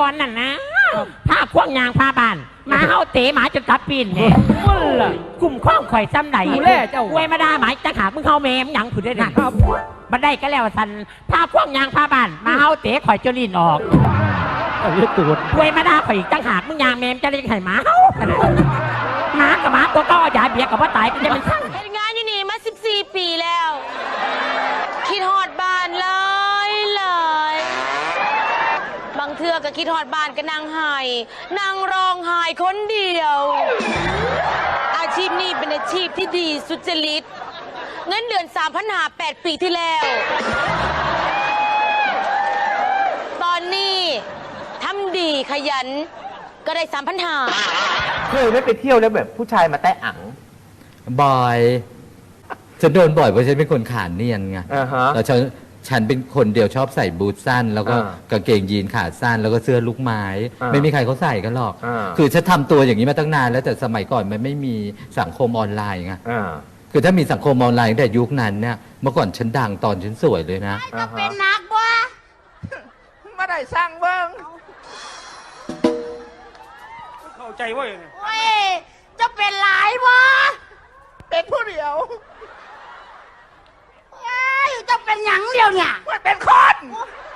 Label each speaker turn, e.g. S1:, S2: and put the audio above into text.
S1: อนนั่นนะผ้าควงยางผ้าบานมาเฮาเตะหมาจนกัดปีนเนี่ยกลุ่มข้องข่อยซ้ำไหนเว้ยมาด่าหมายจะหามึงเข้าเมมหยังผุดได้หนักบันได้ก็แล้วสันผ้าควงยางผ้าบานมาเฮาเตะข่อยจนลิ้นออกเว้ยมาด่าข่อยอีกจังหากมึงยางเมมจะเลี้ยงไข่หมาเฮาหมากับหมาตัวก็ยาเบียกับว่าตายก็จะเป็นช่าง
S2: เป็นงานอยู่นี่มา14 ปีแล้ว คิดฮอดบ้านเลยบางเทื่อก็คิดฮอดบ้านก็นั่งไห้นั่งร้องไห้คนเดียว อาชีพนี้เป็นอาชีพที่ดีสุจริตเงินเดือน3,500 8 ปีที่แล้ว ตอนนี้ทำดีขยันก็ได้3,500
S3: เคยไม่ไปเที่ยวแล้วแบบผู้ชายมาแตะอัง
S4: บ่อยฉันโดนบ่อยเพราะฉันเป็นคนขาเนียนไงแล้วฉันเป็นคนเดียวชอบใส่บูทสั้นแล้วก็กางเกงยีนขาสั้นแล้วก็เสื้อลูกไม้ไม่มีใครเขาใส่กันหรอกคือฉันทำตัวอย่างนี้มาตั้งนานแล้วแต่สมัยก่อนมันไม่มีสังคมออนไลน์ไงคือถ้ามีสังคมออนไลน์ตั้งแต่ยุคนั้นเนี่ยเมื่อก่อนฉันดังตอนฉันสวยเลยนะ
S5: จะเป็นนักวะ
S3: มาได้สร้างเบิ้ง
S6: เข้าใจว่าอย่างไง
S5: เว้ยจะเป็นหลายวะ
S3: เป็นผู้เดียว
S5: เว้ยจะเป็นหยังเดียวเนี่ย
S3: มันเป็นคน